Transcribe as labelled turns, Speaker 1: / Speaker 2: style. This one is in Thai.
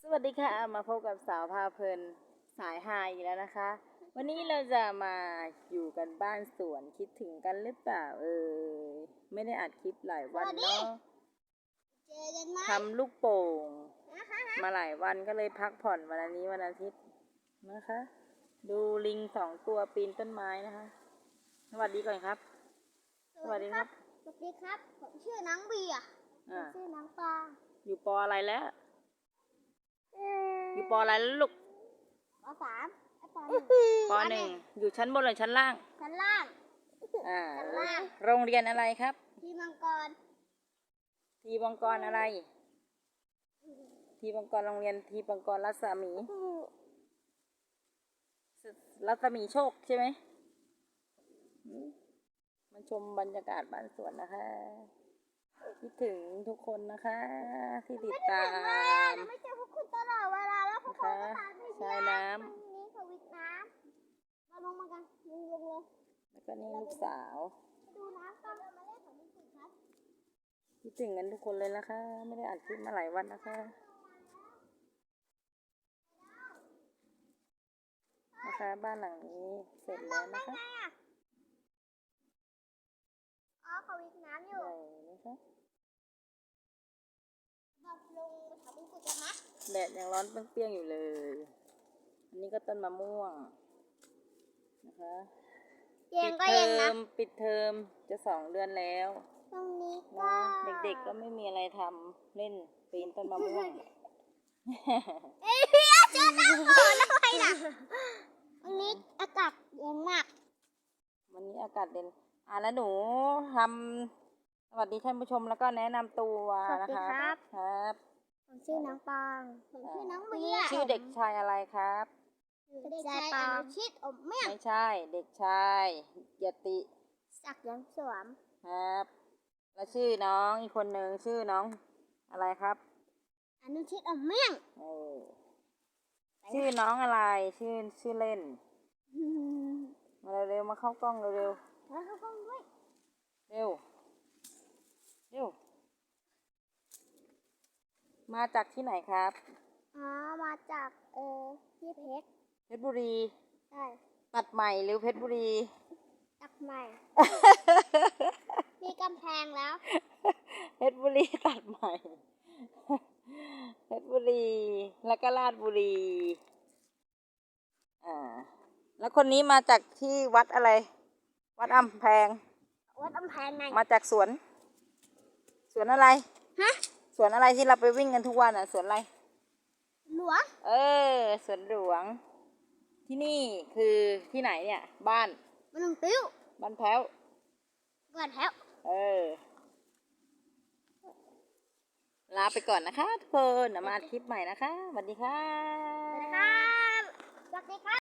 Speaker 1: วัสดีค่ะมาพบกับสาวพาเพลินสายฮาอีกแล้วนะคะ วันนี้เราจะมาอยู่กันบ้านสวนคิดถึงกันหรือเปล่าไม่ได้อัดคลิปหลายวันเนาะทำลูกโป่งมาหลายวันก็เลยพักผ่อนวันนี้วันอาทิตย์นะคะ ดูลิง2 ตัวปีนต้นไม้นะคะสวัสดีก่อนครับ
Speaker 2: สวัสดีครับผมชื่อน้องเบียร์ชื่อน้องปาง
Speaker 1: อยู่ปออะไรแล้วอยู่ปออะไรแล้วลูก
Speaker 2: ป
Speaker 1: .1 อยู่ชั้นบนหรือชั้นล่าง
Speaker 2: ชั้นล่าง
Speaker 1: โรงเรียนอะไรครับ
Speaker 2: ทีมังกร
Speaker 1: อะไรทีมังกรโรงเรียนทีมังกรรัศมีโชคใช่ไหมมาชมบรรยากาศบ้านสวนนะคะคิดถึงทุกคนนะคะที่ติดตาม
Speaker 2: ไม่เจอพวกคุณตลอดเวลาแล้วพวกคุณก็ตามไป
Speaker 1: ชายน้ำ
Speaker 2: นี้เขาวิทน้ำมาลงมากันลงเลย
Speaker 1: แล้วก็นี่ลูกสาว
Speaker 2: ดูน้ำต้องมาเล่นของคุณครับ
Speaker 1: คิดถึงกันทุกคนเลยนะคะไม่ได้อัดคลิปมาหลายวันนะคะบ้านหลังนี้เสร็จแล้วนะคะ
Speaker 2: เขาวิทน้ำอยู่
Speaker 1: นะคะ
Speaker 2: ลงไปถามคุณจะมัด
Speaker 1: แดดยังร้อนเปรี้ยงๆอยู่เลยอันนี้ก็ต้นมะม่วงนะคะปิดเทอมจะ2 เดือนแล้ว
Speaker 2: ตรงนี้
Speaker 1: ก็เด็กๆก็ไม่มีอะไรทำเล่นปีนต้นมะม่วง
Speaker 2: พี่เจอหน้าก่อนแล้วใครล่ะวันนี้อากาศเย็นมาก
Speaker 1: วันนี้อากาศเย็นแล้วหนูทำสวัสดีท่านผู้ชมแล้วก็แนะนำตัวนะคะครับ
Speaker 2: ผมชื่อน้องปางผมชื่อน้องเบียร์
Speaker 1: ชื่อเด็กชายอะไรครับ
Speaker 2: เด็กชายอนุชิตอมเมี่ยง
Speaker 1: ไม่ใช่เด็กชายยติ
Speaker 2: ศักดิ์ยังสวม
Speaker 1: ครับแล้วชื่อน้องอีกคนหนึ่งชื่อน้องอะไรครับ
Speaker 2: อนุชิตอมเมี่ยง
Speaker 1: ชื่อน้องอะไรชื่อเล่นมาเร็วๆมาเข้ากล้องเร็ว
Speaker 2: ๆมาเข้ากล้องด้วย
Speaker 1: เร็วมาจากที่ไหนครับ
Speaker 2: มาจากที่
Speaker 1: เพชรบุรี
Speaker 2: ใช่
Speaker 1: ตัดใหม่หรือเพชรบุรี
Speaker 2: ตัดใหม่ มีกำแพงแล้ว
Speaker 1: เพชรบุรีตัดใหม่เพชรบุรีแล้วก็ราชบุรีแล้วคนนี้มาจากที่วัดอะไรวัดอำแพง
Speaker 2: ไง
Speaker 1: มาจากสวนอะไร
Speaker 2: ฮะ
Speaker 1: สวนอะไรที่เราไปวิ่งกันทุกวันสวนอะไร
Speaker 2: หลวง
Speaker 1: สวนหลวงที่นี่คือที่ไหนเนี่ยบ้าน
Speaker 2: ลุงติ้ว
Speaker 1: บ้านแพ้วลาไปก่อนนะคะทุกคนมาอัดคลิปใหม่นะคะสวัสดีค่ะ
Speaker 2: สวัสดีครับ